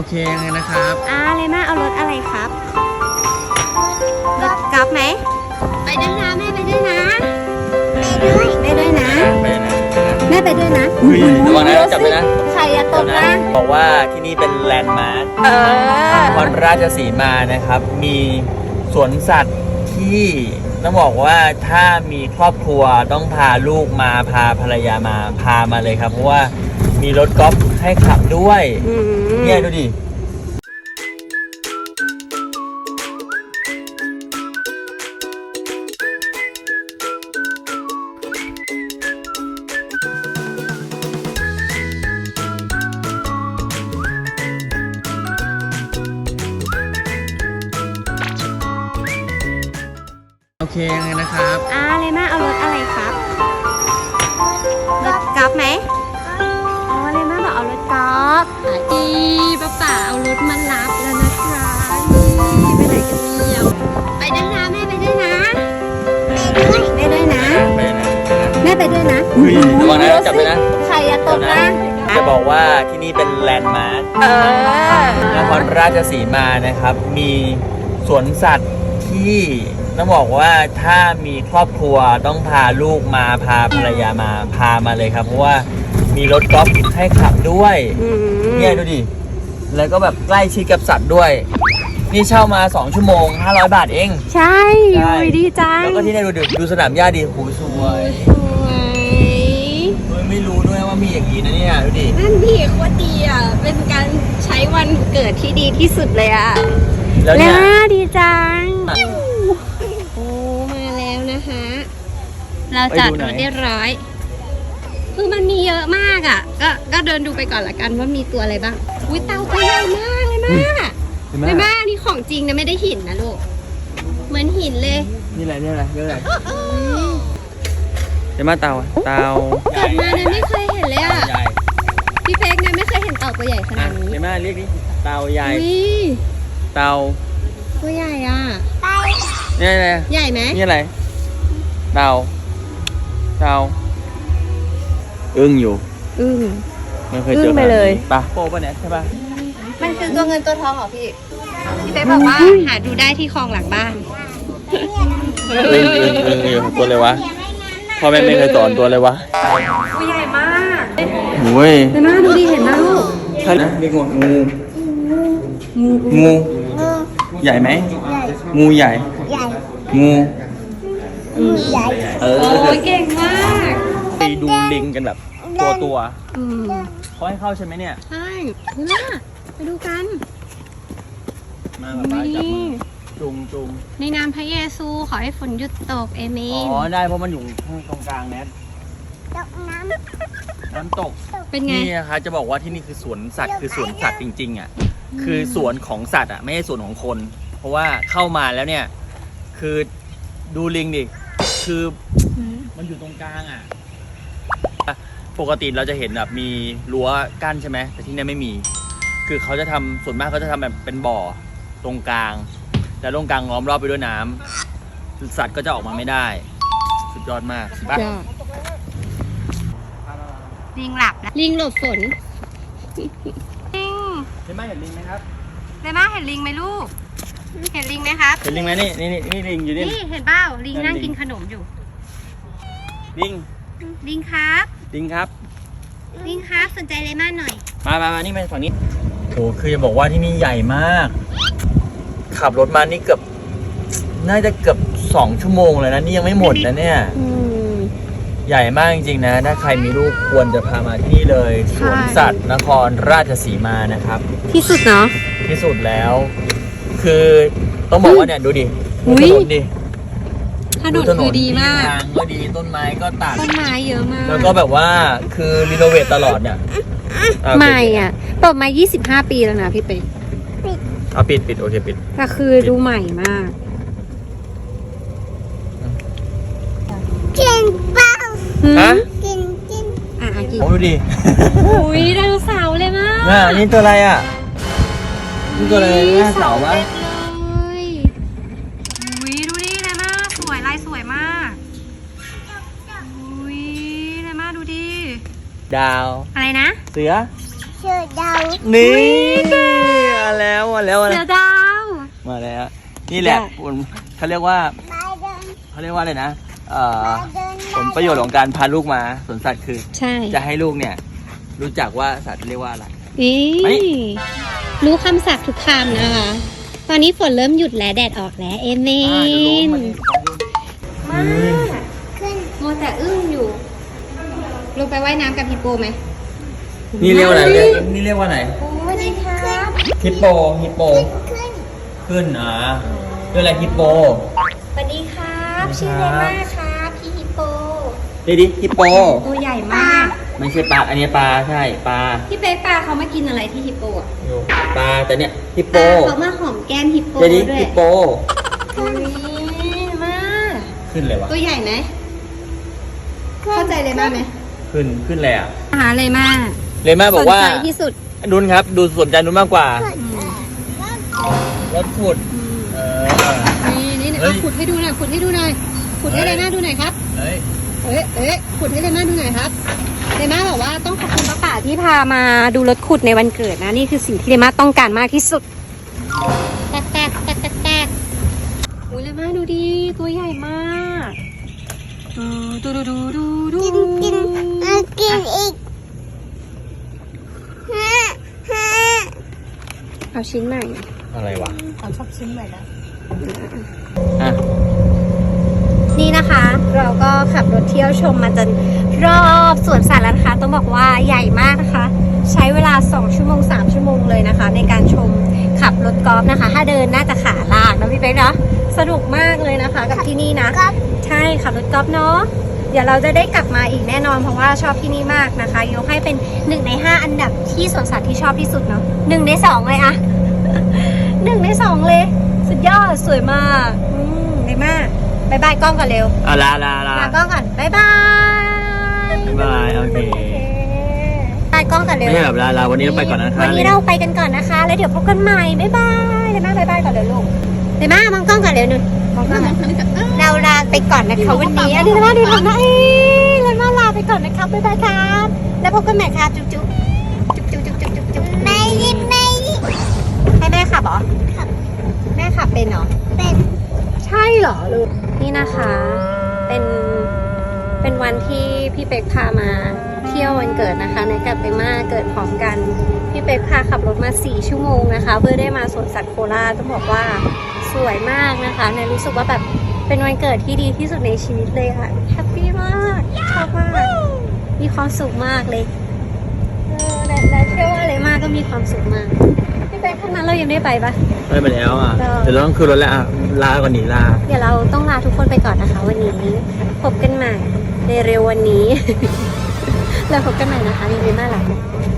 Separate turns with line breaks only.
เคยังไงนะครับ
เลน่าเอารถอะไรครับรถกอล์ฟไหมไปด้วยนะแม่ไปด้วยนะไปด้วยนะแม่ไปด้วยนะ
ระวังนะจับไปนะ
ใครอะตกนะ
บอกว่าที่นี่เป็นแลนด์มาร์คนครราชสีมานะครับมีสวนสัตว์ที่ต้องบอกว่าถ้ามีครอบครัวต้องพาลูกมาพาภรรยามาพามาเลยครับเพราะว่ามีรถกอล์ฟให้ขับด้วยเนี่ยดูดิโอเคยังไงนะครับ
เลน่าเอารถอะไรครับรถกอล์ฟไหมเลน่าบอกเอารถกอล์ฟป้าเอารถมารับแล้วนะคะไปไหนกันเนี่ยไปด้วยนะแม่ไปด้วยนะไปด้วยนะแม่ไปด้วยนะ
ระวังนะจับไปนะ
ใครอะตกนะ
จะบอกว่าที่นี่เป็นแลนด์มาร์คนครราชสีมานะครับมีสวนสัตว์ที่ต้องบอกว่าถ้ามีครอบครัวต้องพาลูกมาพาภรรยามาพามาเลยครับเพราะว่ามีรถกอล์ฟให้ขับด้วยเนี่ยดูดิแล้วก็แบบใกล้ชิดกับสัตว์ด้วยนี่เช่ามา2 ชั่วโมง500 บาทเอง
ใช่ดีจัง
แล้วก็ที่นี่ดูสนามหญ้าดีหูสวยไม่รู้ด้วยว่ามีอย่างนี้นะเนี่ยดูดิ
นั่นดีโคตรดีอ่ะเป็นการใช้วันเกิดที่ดีที่สุดเลยอ่ะแล้วเนี่ยดีจังโอ้มาแล้วนะคะเราจัดรถเรียบร้อยคือมันมีเยอะมากอ่ะก็เดินดูไปก่อนละกันว่ามีตัวอะไรบ้างอุ้ยเต่าตัวใหญ่มากเลยมากเลยมากนี่ของจริงนะไม่ได้หินนะลูกเหมือนหินเลย
นี่อะไรเดี๋ยวมาเต่า
เกิดมาเนี่ยไม่เคยเห็นเลยอ่ะพี่เป๊กเนี่ยไม่เคยเห็นเต่าตัวใหญ่ขนาดนี้
เดี๋ยวมาเรียกดิเต่าใหญ่เต่า
ตัวใหญ่อ่ะ
นี่อะไร
ใหญ่ไหม
นี่อะไรเต่าอึ้งอยู่ไม่เคยเจอเลยปะโปป่ะเนี่ยใช่ปะ
มันคือตัวเงินตัวทองเหรอพี่เป๊กบอกว่าหาดูได้ที่คลองหลังบ้าน
อึ้งอยู่ตัวเลยวะพ่อแม่ไม่เคยสอนตัวเลยวะ
ตัวใหญ่มาก
โอ้ย
แต่น่าดูดีเห็นนะลูก
ใช่นะเรียกว่างูใหญ่ไหมงูใหญ่งู
ใหญ่โอ้ยเก่งมาก
ไปดูลิงกันแบบตัวเขาให้เข้าใช่ไหมเนี่ย
ใช่น่าไปดูกัน
มาแบบว่าจับจุง
ในนามพระเยซูขอให้ฝนหยุดตกเอเมน
ได้เพราะมันอยู่ตรงกลางแนทน้ำตก
เป็นไง
นี่นะคะจะบอกว่าที่นี่คือสวนสัตว์คือสวนสัตว์จริงๆอ่ะคือสวนของสัตว์อ่ะไม่ใช่สวนของคนเพราะว่าเข้ามาแล้วเนี่ยคือดูลิงดิคือมันอยู่ตรงกลางอ่ะปกติเราจะเห็นแบบมีรั้วกั้นใช่ไหมแต่ที่นี่ไม่มีคือเขาจะทำส่วนมากเขาจะทำแบบเป็นบ่อตรงกลางแต่ตรงกลางล้อมรอบไปด้วยน้ำสัตว์ก็จะออกมาไม่ได้สุดยอดมากปะ
ลิงหลับนะลิงหลบฝน
เห็นไหมเห็นลิงไหมครับ
เห็นไหมเห็นลิงไหมลูกเห็นลิงไหมครับ
เห็นลิงไหมนี่ลิงอยู่นี่
เห็นเปล่าลิงนั่งกินขนมอยู่ลิงครับ
ลิงครับ
สนใจเลม่าหน่อย
มานี่มาฝั่งนี้โอ้คือจะบอกว่าที่นี่ใหญ่มากขับรถมานี่น่าจะเกือบ2 ชั่วโมงเลยนะนี่ยังไม่หมดนะเนี่ยใหญ่มากจริงๆนะถ้าใครมีลูกควรจะพามาที่นี่เลยสวนสัตว์นครราชสีมานะครับ
ที่สุดเนาะ
ที่สุดแล้วคือต้องบอกว่าเนี่ยดูดิถนนดิ
ถนนคือดีมาก
ทางก็ดีต้นไม้ก็ตัด
ต้นไม้เยอะมาก
แล้วก็แบบว่าคือรีโนเวทตลอดเนี่ย
ใหม่อ่ะเปิดมา25 ปีแล้วนะพี่เป๊ก
ปิดโอเคปิด
แต่คือดูใหม่มากกินเปล่ากินกิน
ดูดิ
อุ้ยไดโนเสาร์เลยมาก
นี่ตัวอะไรอ่ะนี่ตัวอะไรหน้าเสาปะ
อุ้ยดูดิเลยมากสวยลายสวยมากอุ้ยเลยมากดูดิ
ดาว
อะไรนะ
เสือ
ดาว
นี่นี่แหละเขาเรียกว่าอะไรนะผลประโยชน์ของการพาลูกมาสวนสัตว์คือ
ใช่
จะให้ลูกเนี่ย รู้จักว่าสัตว์เรียกว่าอะไร
อีรู้คำศัพท์ทุกคำนะคะ ตอนนี้ฝนเริ่มหยุดแล้วแดดออกแล้วเอเมนมามัวแต่อึ้งอยู่ ลงไปว่ายน้ำกับฮิปโปไหม
นี่เรียกว่าอะไรนี่เรียกว่าไหน
โอ้สวัสดีครับ
ฮิปโปขึ้นเรียกอะไรฮิปโป
สวัสดีครับชื่ออะไรมากครับพี่ฮิปโป
เดี๋ยวดิฮิปโป
ตัวใหญ่มาก
ไม่ใช่ปลาอันนี้ปลาใช่ปลา
พี่เป๊กปลาเขามากินอะไรที่ฮิปโปอ่ะ
ปลาแต่เนี่ยฮิปโป
เขามาหอมแก้มฮิปโป
เดี๋ยวดิ
ด้วย
ฮิปโป
อุ้ยมาก
ขึ้นเลยวะ
ตัวใหญ่ไหมเข้าใจเลยมากไหม
ขึ้นเลยอ่ะ
หาเลยมาก
เลยแม่บอกว่า
สนใจที่สุด
นุ้นครับดูสนใจนุ้นมากกว่ารถขุด
นี่
เฮ้ย
ขุดให้ดูหน่อยขุดให้ดูหน่อยขุดให้เลยมาดูหน่อยครับ
เฮ้ย
ขุดให้เลยมาดูหน่อยครับเลยมาบอกว่าต้องขอบคุณป้าป่าที่พามาดูรถขุดในวันเกิดนะนี่คือสิ่งที่เลยมาต้องการมากที่สุดแตกโอ้ยเลยมาดูดีตัวใหญ่มากดูกินอีกเอาชิ้นใหม่
อะไรวะ
เขาชอบชิ้นใหม่แล้ว
อ่ะ
นี่นะคะเราก็ขับรถเที่ยวชมมาจนรอบสวนสัตว์แล้วนะคะต้องบอกว่าใหญ่มากนะคะ ใช้เวลา2ชั่วโมง3ชั่วโมงเลยนะคะ ในการชมขับรถกอล์ฟนะคะ ถ้าเดินน่าจะขาลากนะพี่เป๊กเนาะสนุกมากเลยนะคะ กับที่นี่นะใช่ขับรถกอล์ฟเนาะเดี๋ยวเราจะได้กลับมาอีกแน่นอนเพราะว่าชอบที่นี่มากนะคะยกให้เป็น1 ใน 5อันดับที่สวนสัตว์ที่ชอบที่สุดเนาะ1 ใน 2เลยอะ 1 ใน 2เลยสุดยอดสวยมากดีมากบายบายกล้องก่อนเร็ว
ลา
ลากล้องก่อนบายบาย
บายโอเค
บายกล้องก่อนเร็ว
ไม่ใช่แบบลาวันนี้เราไปก่อนนะคะ
วันนี้เราไปกันก่อนนะคะ แล้วเดี๋ยวพบกันใหม่บายบายเลยมาบายบายก่อนเร็วลูกเลยมามองกล้องก่อนเร็วหนึ่งมองกล้องเราลาไปก่อนนะคะวันนี้อันนี้เลยมาดูทำนะเลยมาลาไปก่อนนะครับบายบายครับแล้วพบกันใหม่ครับจุ๊บจุ๊บไม่ยิบให้แม่ขับเหรอแม่ขับเป็นเหรอเป็นใช่เหรอลูกนี่นะคะเป็นวันที่พี่เป็กพามาเที่ยววันเกิดนะคะในกับเตม่าเกิดพร้อมกันพี่เป็กพาขับรถมา4ชั่วโมงนะคะเพื่อได้มาสวนสัตว์โคราชต้องบอกว่าสวยมากนะคะในรู้สึกว่าแบบเป็นวันเกิดที่ดีที่สุดในชีวิตเลยค่ะแฮปปี้มากชอบมากมีความสุขมากเลยและเชื่อว่าอะไรมากก็มีความสุขมากพี่เป็กข้างนั้นเรายังได้ไปปะ
ไปแล้วอ่ะเดี๋ยวเราต้องขึ้นรถแล้วลาก่อนหนีลา
เดี๋ยวเราต้องลาทุกคนไปก่อนนะคะวันนี้พบกันใหม่ในเร็ววันนี้ แล้วพบกันใหม่นะคะในเร็วน่ารัก